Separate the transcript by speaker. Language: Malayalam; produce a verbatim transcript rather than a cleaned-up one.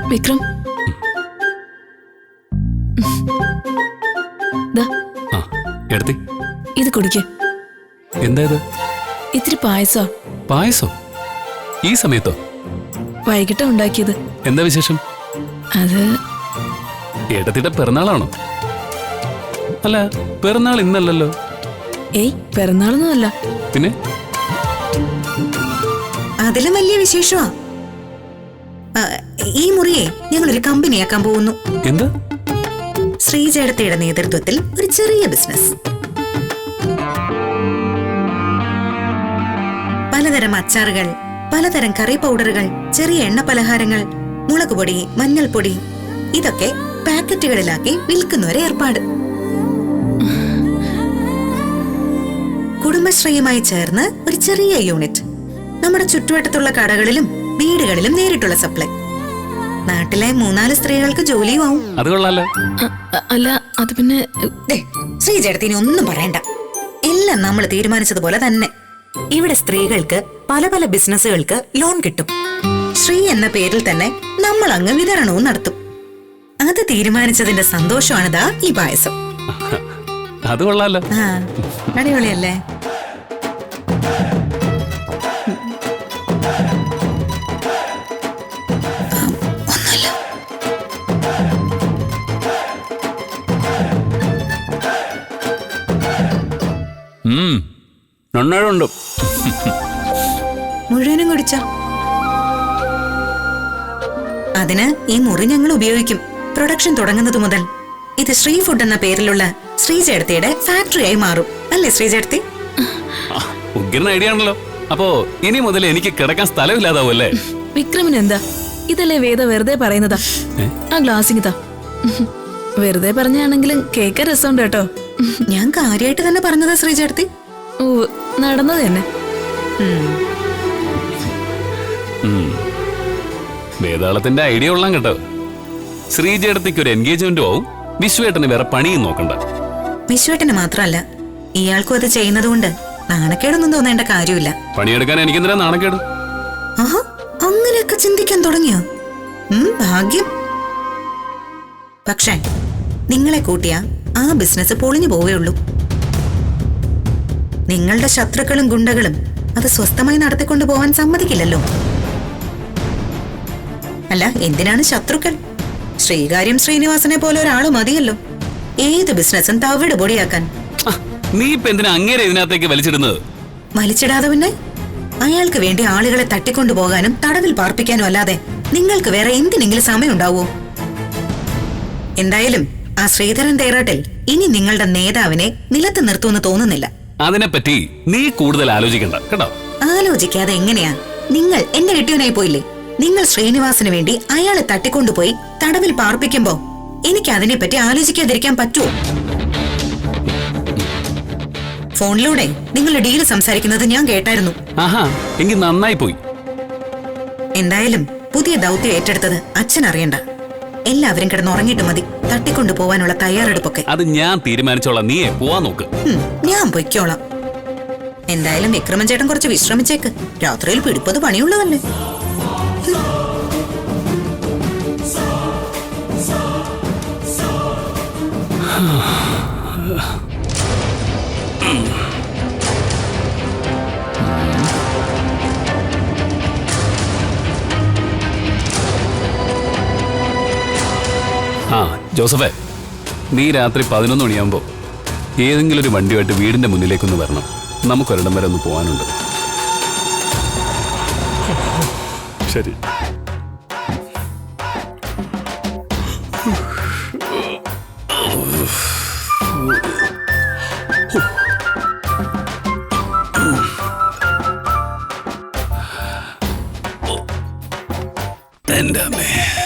Speaker 1: വിക്രം
Speaker 2: എടുത്തി
Speaker 1: ഇത് കുടിക്ക്.
Speaker 2: എന്താ ഇത്?
Speaker 1: ഇത്തിരി പായസോ.
Speaker 2: പായസോ? ഈ സമയത്തോ?
Speaker 1: വൈകിട്ടാ ഉണ്ടാക്കിയത്.
Speaker 2: എന്താ വിശേഷം?
Speaker 1: അത്
Speaker 2: ഏട്ടത്തിയുടെ പിറന്നാളാണോ? അല്ല, പിറന്നാൾ ഇന്നല്ലല്ലോ.
Speaker 1: ഏയ്, പിറന്നാളൊന്നും അല്ല.
Speaker 2: പിന്നെ
Speaker 3: അതിലും വലിയ വിശേഷമാ. ഈ മുറിയെ ഞങ്ങളൊരു കമ്പനിയാക്കാൻ പോകുന്നു.
Speaker 2: എന്താ?
Speaker 3: ശ്രീജേടത്തിയുടെ നേതൃത്വത്തിൽ ഒരു ചെറിയ ബിസിനസ്. പലതരം അച്ചാറുകൾ, പലതരം കറി പൗഡറുകൾ, ചെറിയ എണ്ണ പലഹാരങ്ങൾ, മുളകുപൊടി, മഞ്ഞൾപ്പൊടി, ഇതൊക്കെ പാക്കറ്റുകളിലാക്കി വിൽക്കുന്നവരെ ഏർപ്പാട്. കുടുംബശ്രീയുമായി ചേർന്ന് ഒരു ചെറിയ യൂണിറ്റ്. നമ്മുടെ ചുറ്റുവട്ടത്തുള്ള കടകളിലും വീടുകളിലും നേരിട്ടുള്ള സപ്ലൈ. നാട്ടിലെ മൂന്നാല് സ്ത്രീകൾക്ക് ജോലിയും ആവും.
Speaker 2: അത് കൊള്ളാലോ.
Speaker 1: അല്ല, അത് പിന്നെ
Speaker 3: ശ്രീജേടത്തിന് ഒന്നും പറയണ്ട. എല്ലാം നമ്മൾ തീരുമാനിച്ചതുപോലെ തന്നെ. ഇവിടെ സ്ത്രീകൾക്ക് പല പല ബിസിനസ്സുകൾക്ക് ലോൺ കിട്ടും. ശ്രീ എന്ന പേരിൽ തന്നെ നമ്മൾ അങ്ങ് വിതരണവും നടത്തും. അത് തീരുമാനിച്ചതിന്റെ സന്തോഷമാണിതാ ഈ പായസം.
Speaker 2: അത് കൊള്ളാലോ.
Speaker 3: ആ, അടിപൊളിയല്ലേ?
Speaker 2: നന്നായിട്ടുണ്ട്.
Speaker 3: മുഴുവനും കുടിച്ച. അതിന് ഈ മുറി ഞങ്ങൾ ഉപയോഗിക്കും. പ്രൊഡക്ഷൻ തുടങ്ങുന്നത് മുതൽ ഇത് ശ്രീ ഫുഡ് എന്ന പേരിലുള്ള ശ്രീജേടത്തിയുടെ ഫാക്ടറിയായി മാറും. അല്ലേ ശ്രീജേടത്തി?
Speaker 2: ഉഗ്രൻ ഐഡിയ ആണല്ലോ. അപ്പോ ഇനി മുതൽ എനിക്ക് കിടക്കാൻ സ്ഥലമില്ലാതാവല്ലേ?
Speaker 1: വിക്രമിന് എന്താ? ഇതല്ലേ വേദ വെറുതെ പറയുന്നതാ. ആ ഗ്ലാസിങ്ങിതാ. വെറുതെ പറഞ്ഞാണെങ്കിലും കേൾക്കാൻ രസമുണ്ട് കേട്ടോ.
Speaker 3: ഞാൻ കാര്യമായിട്ട് തന്നെ പറഞ്ഞതാ ശ്രീജേടത്തി.
Speaker 1: ഓ, നടന്നത് തന്നെ.
Speaker 2: വേതാളത്തിന്റെ ഐഡിയ ഉള്ളാൻ കേട്ടോ. ശ്രീജേടത്തിക്ക് ഒരു എൻഗേജ്മെന്റും ആവും, വിശ്വേട്ടന് വേറെ പണിയും നോക്കണ്ട.
Speaker 3: വിശ്വേട്ടന് മാത്രമല്ല, ഇയാൾക്കും അത് ചെയ്യുന്നത് കൊണ്ട് നാണക്കേടൊന്നും തോന്നേണ്ട കാര്യമില്ല.
Speaker 2: പണിയെടുക്കാൻ എനിക്കെന്തിനാ നാണക്കേട്?
Speaker 3: ആഹാ, അങ്ങനെയൊക്കെ ചിന്തിക്കാൻ തുടങ്ങിയോ? ഭാഗ്യം. പക്ഷേ നിങ്ങളെ കൂട്ടിയ ആ ബിസിനസ് പൊളിഞ്ഞു പോവേ ഉള്ളൂ. നിങ്ങളുടെ ശത്രുക്കളും ഗുണ്ടകളും അത് സ്വസ്ഥമായി നടത്തിക്കൊണ്ടു പോവാൻ സമ്മതിക്കില്ലല്ലോ. അല്ല, എന്തിനാണ് ശത്രുക്കൾ? ശ്രീകാര്യം ശ്രീനിവാസനെ പോലെ ഒരാള് മതിയല്ലോ ഏത് ബിസിനസ്സും തവിട് പൊടിയാക്കാൻ.
Speaker 2: നീ ഇപ്പൊ എന്തിനാ അങ്ങേരെ ഇതിനകത്തേക്ക് വലിച്ചിടുന്നത്?
Speaker 3: വലിച്ചിടാതെ പിന്നെ അയാൾക്ക് വേണ്ടി ആളുകളെ തട്ടിക്കൊണ്ടു പോകാനും തടവിൽ പാർപ്പിക്കാനും അല്ലാതെ നിങ്ങൾക്ക് വേറെ എന്തിനെങ്കിലും സമയം ഉണ്ടാവോ? എന്തായാലും ആ ശ്രീധരൻ തേറാട്ടിൽ ഇനി നിങ്ങളുടെ നേതാവിനെ നിലത്ത് നിർത്തുമെന്ന് തോന്നുന്നില്ല.
Speaker 2: അതിനെപ്പറ്റി നീ കൂടുതൽ ആലോചിക്കണ്ട കേട്ടോ.
Speaker 3: ആലോചിക്കാതെ എങ്ങനെയാ? നിങ്ങൾ എന്റെ കെട്ടിയവനായി പോയില്ലേ? നിങ്ങൾ ശ്രീനിവാസിന് വേണ്ടി അയാളെ തട്ടിക്കൊണ്ടുപോയി തടവിൽ പാർപ്പിക്കുമ്പോ എനിക്ക് അതിനെപ്പറ്റി ആലോചിക്കാതിരിക്കാൻ പറ്റുമോ? ഫോണിലൂടെ നിങ്ങളുടെ ഡീല് സംസാരിക്കുന്നത് ഞാൻ കേട്ടായിരുന്നു.
Speaker 2: ആഹാ, എങ്കിൽ നന്നായി പോയി.
Speaker 3: എന്തായാലും പുതിയ ദൗത്യം ഏറ്റെടുത്തത് അച്ഛൻ അറിയണ്ട. എല്ലാവരും കിടന്നുറങ്ങിയിട്ട് മതി തട്ടിക്കൊണ്ടു പോവാനുള്ള തയ്യാറെടുപ്പൊക്കെ.
Speaker 2: അത് ഞാൻ തീരുമാനിച്ചോളാം. നീയെ പോവാൻ നോക്ക്.
Speaker 3: ഞാൻ പൊയ്ക്കോളാം. എന്തായാലും വിക്രമൻ ചേട്ടൻ കുറച്ച് വിശ്രമിച്ചേക്ക്. രാത്രിയിൽ പിടിപ്പത് പണിയുള്ളതല്ലേ.
Speaker 2: ആ ജോസഫേ, നീ രാത്രി പതിനൊന്ന് മണിയാകുമ്പോൾ ഏതെങ്കിലും ഒരു വണ്ടിയായിട്ട് വീടിന്റെ മുന്നിലേക്കൊന്ന് വരണം. നമുക്കൊരിടം വരെ ഒന്ന് പോകാനുണ്ട്. ശരി. എന്റെ അമ്മേ.